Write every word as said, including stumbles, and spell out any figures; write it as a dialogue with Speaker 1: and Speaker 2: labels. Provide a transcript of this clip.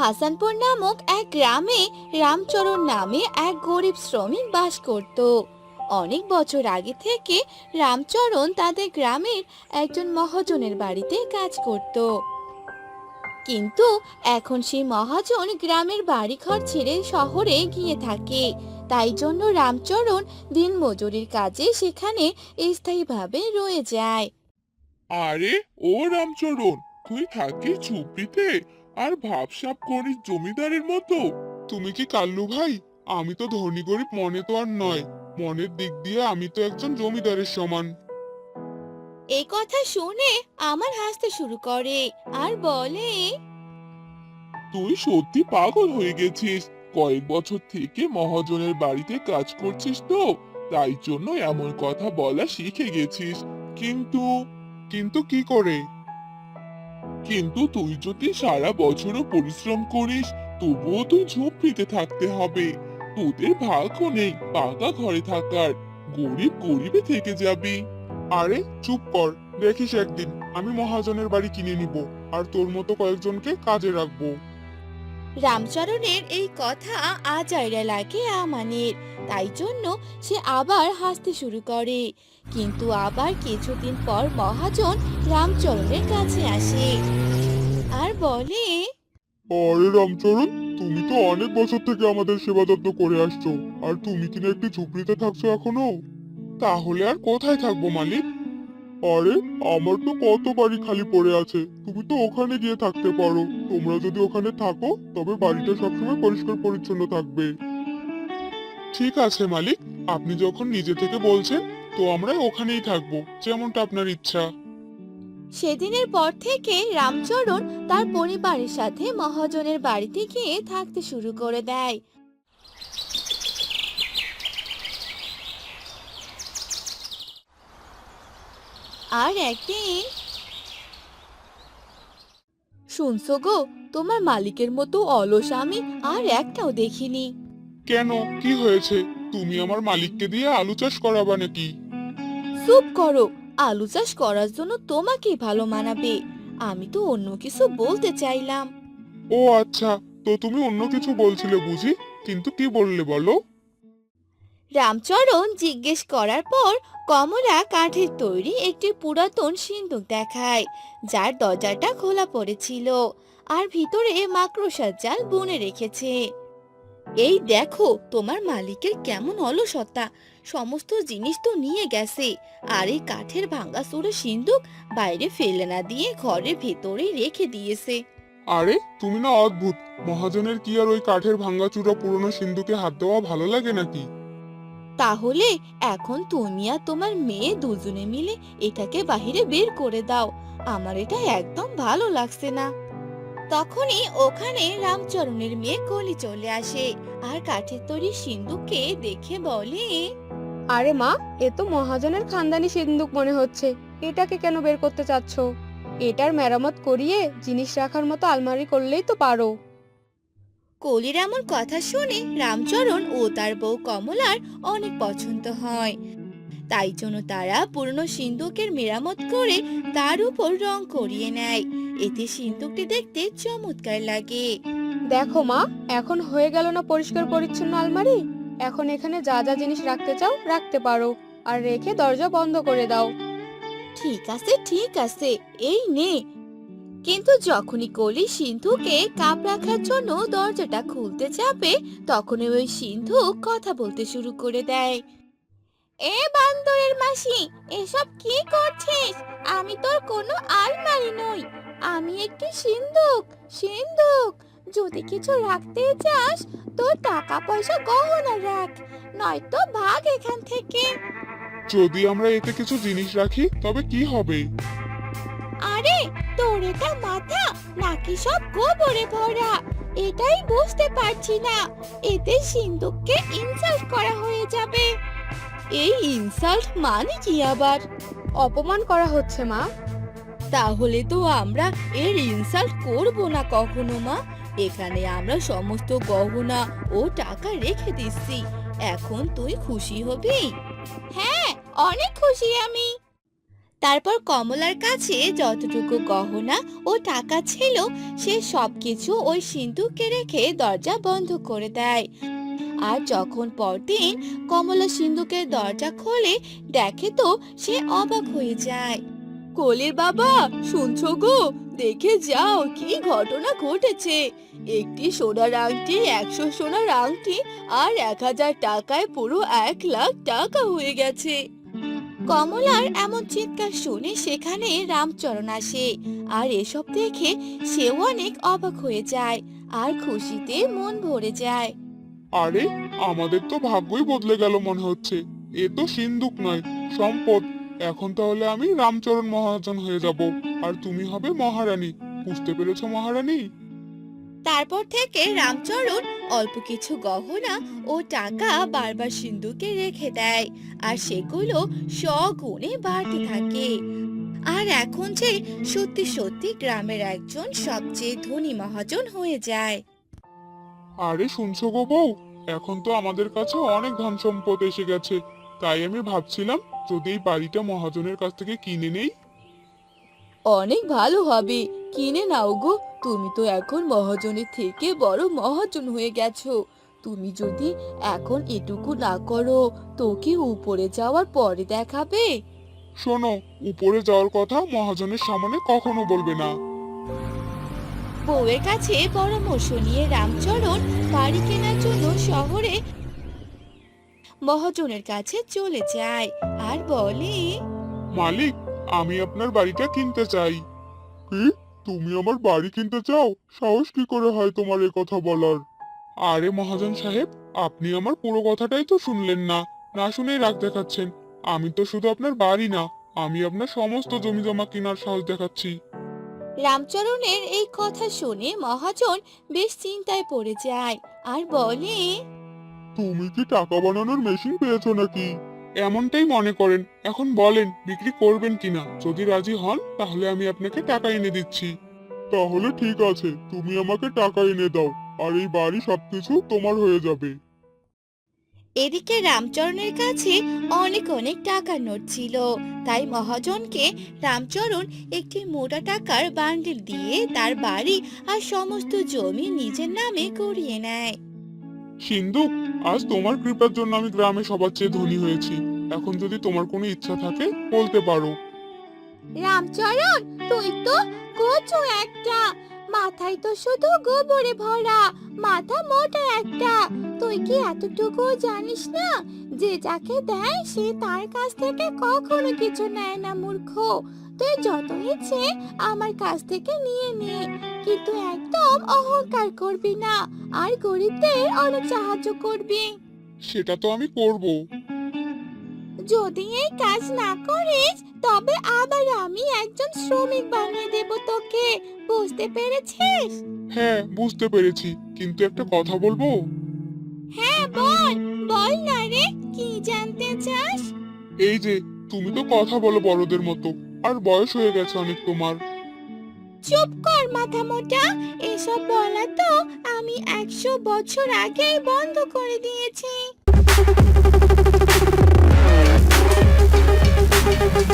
Speaker 1: হাসানপুর নামক এক গ্রামে রামচরণ নামে এক গরিব শ্রমিক বাস করত। অনেক বছর আগে থেকে রামচরণ তাদের গ্রামের একজন মহাজনের বাড়িতে কাজ করত। কিন্তু এখন সেই মহাজন গ্রামের বাড়িঘর ছেড়ে শহরে গিয়ে থাকে। তাই জন্য রামচরণ দিনমজুরির কাজে সেখানে স্থায়ীভাবে রয়ে যায়।
Speaker 2: আরে ও রামচরণ, তুই থাকিস ঝুপড়িতে আর ভাবসাব করিস জমিদারের মতো? তুমি কি কাল্লু ভাই? আমি তো ধনী গরিব মনে তো আর নয়, মনের দিক দিয়ে আমি তো একজন জমিদারের সমান।
Speaker 1: এই কথা শুনে আমার হাসতে শুরু করে আর বলে,
Speaker 2: তুই সত্যি পাগল হয়ে গেছিস। কয়েক বছর থেকে মহাজনের বাড়িতে কাজ করছিস তো, তাই জন্য এমন কথা বলা শিখে গেছিস। কিন্তু কিন্তু কি করে? কিন্তু তুই যদি সারা বছরও পরিশ্রম করিস, তবুও তুই ঝুপড়িতে থাকতে হবে। তোদের ভাগ্য নেই পাকা ঘরে থাকার, গরিব গরিবে থেকে যাবি। আরে চুপ কর, দেখিস একদিন আমি মহাজনের বাড়ি কিনে নিব আর তোর মতো কয়েকজনকে কাজে রাখবো।
Speaker 1: রামচরণের এই কথা আজাইরা লাগে আমানের। তাই জন্য সে আবার হাসতে শুরু করে। কিন্তু আবার কিছুদিন পর মহাজন রামচরণের কাছে আসে আর বলে,
Speaker 2: আরে রামচরণ, তুমি তো অনেক বছর থেকে আমাদের সেবা যত্ন করে আসছো, আর তুমি কিনা একটি ঝুপড়িতে থাকছো এখনো? তাহলে আর কোথায় থাকবো মালিক? আরে আমার তো কত বাড়ি খালি পড়ে আছে, তুমি তো ওখানে গিয়ে থাকতে পারো। তোমরা যদি ওখানে থাকো তবে বাড়িটা সবসময় পরিষ্কার পরিচ্ছন্ন থাকবে। ঠিক আছে মালিক, আপনি যখন নিজে থেকে বলছেন, তো আমরা ওখানেই থাকবো, যেমনটা আপনার ইচ্ছা।
Speaker 1: সেদিনের পর থেকে রামচরণ তার পরিবারের সাথে মহাজনের বাড়িতে গিয়ে থাকতে শুরু করে দেয়। আর একদিন, শুনছো গো, তোমার মালিকের মতো অলস আমি আর একটাও দেখিনি।
Speaker 2: কেন, কি হয়েছে? তুমি আমার মালিককে দিয়ে আলু চাষ করাবা নাকি?
Speaker 1: চুপ করো, আলু চাষ করার জন্য তোমাকেই ভালো মানাবে। আমি তো অন্য কিছু বলতে চাইলাম।
Speaker 2: ও আচ্ছা, তো তুমি অন্য কিছু বলছিলে বুঝি, কিন্তু কি বললে বলো।
Speaker 1: রামচরণ জিজ্ঞেস করার পর কমলা কাঠের তৈরি একটি পুরাতন সিন্দুক দেখায়, যার দরজাটা খোলা পড়েছিল আর ভিতরে মাকড়সার জাল বুনে রেখেছে। এই দেখো তোমার মালিকের কেমন অলসতা, সমস্ত জিনিস তো নিয়ে গেছে, আর এই কাঠের ভাঙাচোরা সিন্দুক বাইরে ফেলে না দিয়ে ঘরের ভেতরে রেখে দিয়েছে।
Speaker 2: আরে তুমি না অদ্ভুত, মহাজনের কি আর ওই কাঠের ভাঙাচুরা পুরনো সিন্ধুকে হাত দেওয়া ভালো লাগে নাকি?
Speaker 1: তাহলে এখন তুমি আর তোমার মেয়ে দুজনে মিলে এটাকে বাহিরে বের করে দাও, আমার এটা একদম ভালো লাগছে না। তখনই ওখানে রামচরণের মেয়ে কলি চলে আসে আর কাঠের তৈরি সিন্দুককে দেখে বলে,
Speaker 3: আরে মা, এ তো মহাজনের খানদানি সিন্দুক মনে হচ্ছে। এটাকে কেন বের করতে চাচ্ছ? এটার মেরামত করিয়ে জিনিস রাখার মতো আলমারি করলেই তো পারো।
Speaker 1: কলির এমন কথা শুনে রামচরণ ও তার বউ কমলার অনেক পছন্দ হয়। তাই জন্য তারা পুরনো সিন্দুকের মেরামত করে তার উপর রং করিয়ে নেয়। এতে সিন্দুকটি দেখতে চমৎকার লাগে।
Speaker 3: দেখো মা, এখন হয়ে গেল না পরিষ্কার পরিচ্ছন্ন আলমারি? এখন এখানে যা যা জিনিস রাখতে চাও রাখতে পারো, আর রেখে দরজা বন্ধ করে দাও।
Speaker 1: ঠিক আছে ঠিক আছে, এই নে। কিন্তু যখনই কলি সিন্ধুকে কাপ রাখার জন্য দরজাটা খুলতে যাবে, তখনই ওই সিন্ধুক কথা বলতে শুরু করে দেয়। এ বান্দরের মাসি, এসব কি করছিস? আমি তোর কোনো আলমারি নই, আমি একটি সিন্ধুক। সিন্ধুক, যদি কিছু রাখতে চাস তোর টাকা পয়সা গহনা রাখ, নয়তো ভাগ এখান থেকে।
Speaker 2: যদি আমরা এতে কিছু জিনিস রাখি তবে কি হবে?
Speaker 1: আরে, তোর এটা মাথা নাকি সব গোবরে ভরা? এটাই বুঝতে পারছি না। এতে সিন্ধুককে ইনসাল্ট করা হয়ে যাবে। এই ইনসাল্ট মানে কি আবার?
Speaker 3: অপমান করা হচ্ছে মা।
Speaker 1: তাহলে তো আমরা এর ইনসাল্ট করব না কখনো মা। এখানে আমরা সমস্ত গহনা ও টাকা রেখে দিচ্ছি, এখন তুই খুশি হবি? হ্যাঁ, অনেক খুশি আমি। তারপর কমলার কাছে যতটুকু গহনা ও টাকা ছিল সে সবকিছু ওই সিন্ধুকে রেখে দরজা বন্ধ করে দেয়। আর যখন পরদিন কমলা সিন্ধুকের দরজা খোলে দেখে তো সে অবাক হয়ে যায়। কলির বাবা, শুনছো গো? দেখে যাও কি ঘটনা ঘটেছে। একটি সোনার আংটি, একশো সোনার আংটি আর এক হাজার টাকায় পুরো এক লাখ টাকা হয়ে গেছে। কমলার এমন চিৎকার শুনে সেখানে রামচরণ আসে, আর এসব দেখে সেও অনেক অবাক হয়ে যায় আর খুশিতে মন ভরে যায়।
Speaker 2: আরে, আমাদের তো ভাগ্যই বদলে গেল মনে হচ্ছে। এ তো সিন্ধুক নয়, সম্পদ। এখন তাহলে আমি রামচরণ মহাজন হয়ে যাব, আর তুমি হবে মহারানী। বুঝতে পেরেছো মহারানী?
Speaker 1: তারপর থেকে রামচরণ অল্প কিছু গহনা ও টাকা বারবার সিন্ধুকে রেখে দেয়, আর সেগুলো স্বগুণে বাড়তে থাকে। আর এখন যে সত্যি সত্যি গ্রামের একজন সবচেয়ে ধনী মহাজন হয়ে যায়।
Speaker 2: আরে শুনছো গো বউ, এখন তো আমাদের কাছে অনেক ধন সম্পদ এসে গেছে। তাই আমি ভাবছিলাম যদি এই বাড়িটা মহাজনের কাছ থেকে কিনে নেই।
Speaker 1: অনেক ভালো হবে, কিনে নাও গো। তুমি তো এখন মহাজনের থেকে বড় মহাজন হয়ে গেছো। তুমি যদি এখন এটুকু না করো তো কি উপরে যাওয়ার পরে দেখাবে?
Speaker 2: শোনো, উপরে যাওয়ার কথা মহাজনের সামনে কখনো বলবে না।
Speaker 1: বউয়ের কাছে পরামর্শ নিয়ে রামচরণ বাড়ি কেনার জন্য শহরে মহাজনের কাছে চলে যায় আর বলে,
Speaker 2: মালিক, আমি আপনার বাড়িটা কিনতে চাই। কি? তুমি আমার বাড়ি কিনতে চাও? সাহস কি করে হয় তোমার এ কথা বলার? আরে মহাজন সাহেব, আপনি আমার পুরো কথাটাই তো শুনলেন না। না শুনেই রাগ দেখাচ্ছেন। আমি তো শুধু আপনার বাড়ি না, আমি আপনার সমস্ত জমি জমা কেনার সাহস দেখাচ্ছি।
Speaker 1: রামচরণের এই কথা শুনে মহাজন বেশ চিন্তায় পড়ে যায় আর বলে,
Speaker 2: তুমি কি টাকা বানানোর মেশিন পেয়েছো নাকি? এমনটাই মনে করেন। এখন বলেন বিক্রি করবেন কিনা। যদি রাজি হন তাহলে আমি আপনাকে টাকা এনে দিচ্ছি। তাহলে ঠিক আছে, তুমি আমাকে টাকা এনে দাও, আর এই বাড়ি সবকিছু তোমার হয়ে যাবে।
Speaker 1: এদিকে রামচরণের কাছে অনেক অনেক টাকার নোট ছিল, তাই মহাজনকে রামচরণ একটি মোটা টাকার বান্ডিল দিয়ে তার বাড়ি আর সমস্ত জমি নিজের নামে করিয়ে নেয়।
Speaker 2: সিন্ধু, আজ তোমার কৃপার জন্য আমি গ্রামে সবার চেয়ে ধনী হয়েছি। এখন যদি তোমার কোনো ইচ্ছা থাকে বলতে পারো।
Speaker 1: রামচরণ, তুই তো কচু একটা, মাথায় তো শুধু গোবরে ভরা, মাথা মোটা একটা। তুই কি এতটুকু জানিস না যে যাকে দেয় সে তার কাছ থেকে কখনো কিছু নেয় না মূর্খ। তুই যত ইচ্ছে আমার কাছ থেকে নিয়ে নে, কিন্তু একদম অহংকার করবি না আর গরিবদের অনেক সাহায্য করবি।
Speaker 2: সেটা তো আমি করব।
Speaker 1: যদি এই কাজ না করিস তবে আবার আমি একজন শ্রমিক বানিয়ে দেব তোকে, বুঝতে পেরেছিস?
Speaker 2: হ্যাঁ, বুঝতে পেরেছি, কিন্তু একটা কথা বলবো।
Speaker 1: হ্যাঁ বল, বল না রে, কি জানতে চাস?
Speaker 2: এই যে, তুমি তো কথা বলো বড়দের মতো, আর বয়স হয়ে গেছে অনেক তোমার।
Speaker 1: চুপ কর মাথা মোটা, এসব বলা তো আমি একশো বছর আগেই বন্ধ করে দিয়েছি।